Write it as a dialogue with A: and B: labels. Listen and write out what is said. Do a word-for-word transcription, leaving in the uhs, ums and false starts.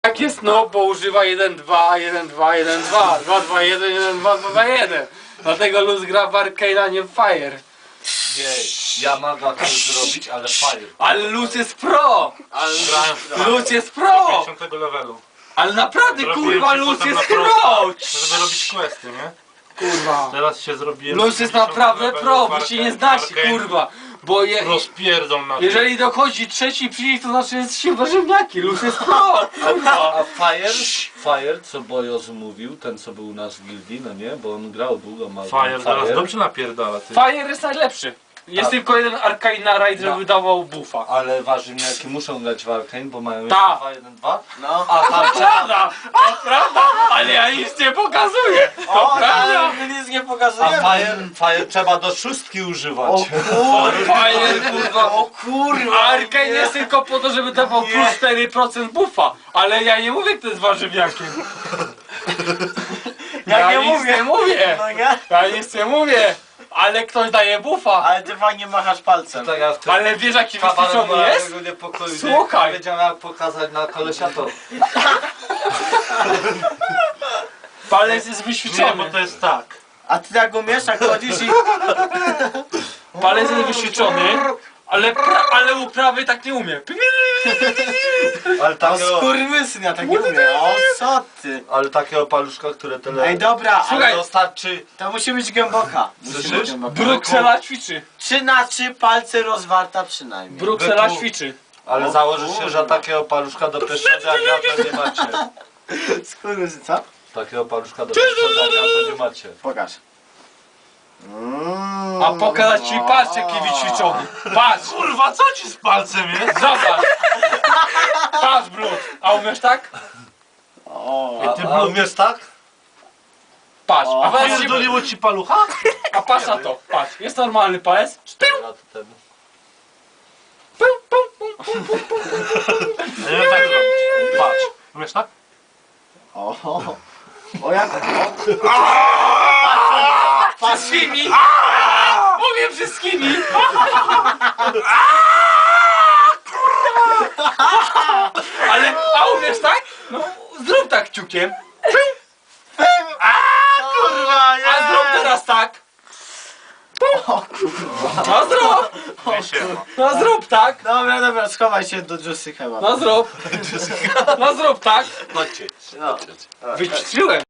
A: Jak jest no, bo używa jeden dwa, jeden dwa, jeden dwa, dwa dwa jeden, jeden dwa, dwa dwa jeden. Dlatego Luz gra w Arcane, a nie w Fire.
B: Nie, ja mogę to zrobić, ale Fire.
A: Ale Luz jest pro! Ale
C: Grałem w Fire.
A: Luz jest pro!
C: pięćdziesiątego levelu.
A: Ale naprawdę
C: Zrobiłem
A: kurwa
C: się
A: Luz
C: potem
A: jest
C: na
A: pro!
C: prosta, żeby robić questy, nie?
A: Kurwa.
C: Teraz się zrobiłem...
A: Luz jest
C: pięćdziesiątego
A: naprawdę
C: levelu
A: pro,
C: w
A: wy
C: Arcane-
A: się nie znacie
C: Arcane.
A: kurwa. Bo je,
C: Rozpierdzą na
A: jeżeli dochodzi trzeci przycisk, to znaczy jest się warzywniaki. Luz jest pro! Kurwa.
B: A Fire, Fire, co Bojos mówił, ten co był u nas w gildii, no nie? Bo on grał długo, ma
C: Fire zaraz dobrze napierdala, ty.
A: Fire jest najlepszy. Jest
B: A-
A: tylko jeden Arcane na raid, żeby
B: No.
A: dawał buffa.
B: Ale warzywniaki muszą grać w Arcane, bo mają
A: Ta.
B: jeszcze dwa jeden dwa.
D: No.
B: A tam trzeba...
A: Prawda, to prawda, ale ja nic nie pokazuję. To
D: O,
A: prawda.
D: ale my nic nie
B: A
D: pokazujemy.
B: Fire, Fire trzeba do szóstki używać.
D: O kurwa.
A: Fire, kurwa.
D: O kurwa.
A: Arcane jest tylko po to, żeby dawał plus cztery procent buffa. Ale ja nie mówię, kto jest warzywniakiem.
D: Ja nie
A: nic
D: mówię.
A: nie mówię.
D: No nie?
A: Ja nic nie mówię. Ale ktoś daje buffa.
D: Ale ty fajnie machasz palcem.
B: Tak jak w tym
A: Ale wiesz jaki
B: kabarecie
A: wyćwiczony jest?
B: mojego niepokoju,
A: Słuchaj.
B: nie wiedział jak pokazać na kolesia to.
A: Palec jest
C: Nie, bo
A: wyćwiczony.
C: to jest tak.
D: A ty tak umiesz, jak chodzisz i...
A: Palec jest wyćwiczony. Ale, pra, ale uprawy tak nie umie.
B: Ale
D: O
B: takiego,
D: skurwysyn, ja tak nie umiem. O co ty?
B: ale takiego paluszka, które tyle...
D: Ej dobra,
A: Słuchaj.
D: ale
B: To starczy...
D: to musi być głęboka. Musi być
B: Słyszysz?
D: głęboka.
A: Bruksela ćwiczy.
D: Trzy na trzy palce rozwarta przynajmniej.
A: Bruksela
B: Byku.
A: ćwiczy.
B: Ale
D: O
B: założysz się,
D: kurwa.
B: że takiego paluszka do pieszczenia to nie macie.
D: Skurwysyn, co?
B: Takiego paluszka do pieszczenia to nie macie.
D: Pokaż. Mm.
A: A pokazać ci, patrz jaki wyćwiczony. Patrz,
C: Kurwa, co ci z palcem jest?
A: zobacz. Patrz brud. A umiesz tak?
D: O,
B: A, a umiesz tak?
A: Patrz. A,
D: O.
A: patrz, ci,
C: Pierdoliło ci palucha?
A: a patrz na to. Patrz. Jest normalny palec.
B: cztery lata temu.
A: Pum, pum, pum, pum, pum.
C: Nie wiem tak zrobić. Patrz. Umiesz tak?
D: o, o jak...
A: Wszystkimi. Mówię wszystkimi. Ale, a umiesz tak? No zrób tak kciukiem.
D: Kurwa, nie!
A: A zrób teraz tak. No zrób.
C: Siema.
A: No zrób tak.
D: Dobra, dobra, schowaj się do Juicy chyba.
A: No zrób. No zrób tak.
B: Chodźcie.
D: No.
A: Wyćwiczyłem.